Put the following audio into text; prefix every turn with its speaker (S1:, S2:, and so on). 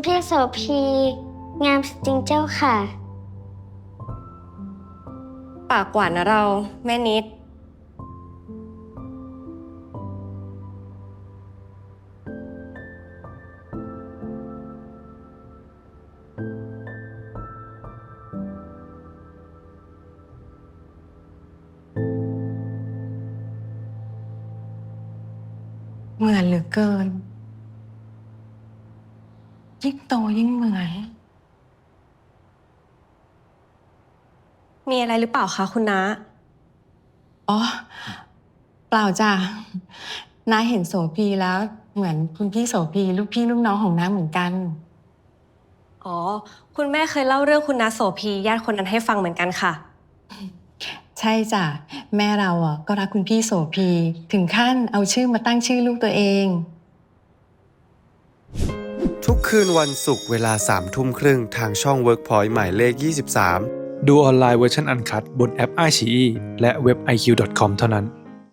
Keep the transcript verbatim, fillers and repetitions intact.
S1: พี่โสภีงามจริงเจ้าค่ะ
S2: ปากหวานนะเราแม่นิด
S3: เหมือนเหลือเกินยิ่งโตยิ่งเหมือน
S2: มีอะไรหรือเปล่าคะคุณน้า
S3: อ๋อเปล่าจ้ะน้าเห็นโสภีแล้วเหมือนคุณพี่โสภีลูกพี่ลูกน้องของน้าเหมือนกัน
S2: อ๋อคุณแม่เคยเล่าเรื่องคุณน้าโสภีญาติคนนั้นให้ฟังเหมือนกันค่ะ
S3: ใช่จ้ะแม่เราอ่ะก็รักคุณพี่โสภีถึงขั้นเอาชื่อมาตั้งชื่อลูกตัวเอง
S4: ทุกคืนวันศุกร์เวลาสามทุ่มครึ่งทางช่อง Workpoint หมายเลขยี่สิบสาม
S5: ดูออนไลน์เวอร์ชันอันคัดบนแอป ไอ ซี อี และเว็บ ไอ คิว ดอท คอม เท่านั้น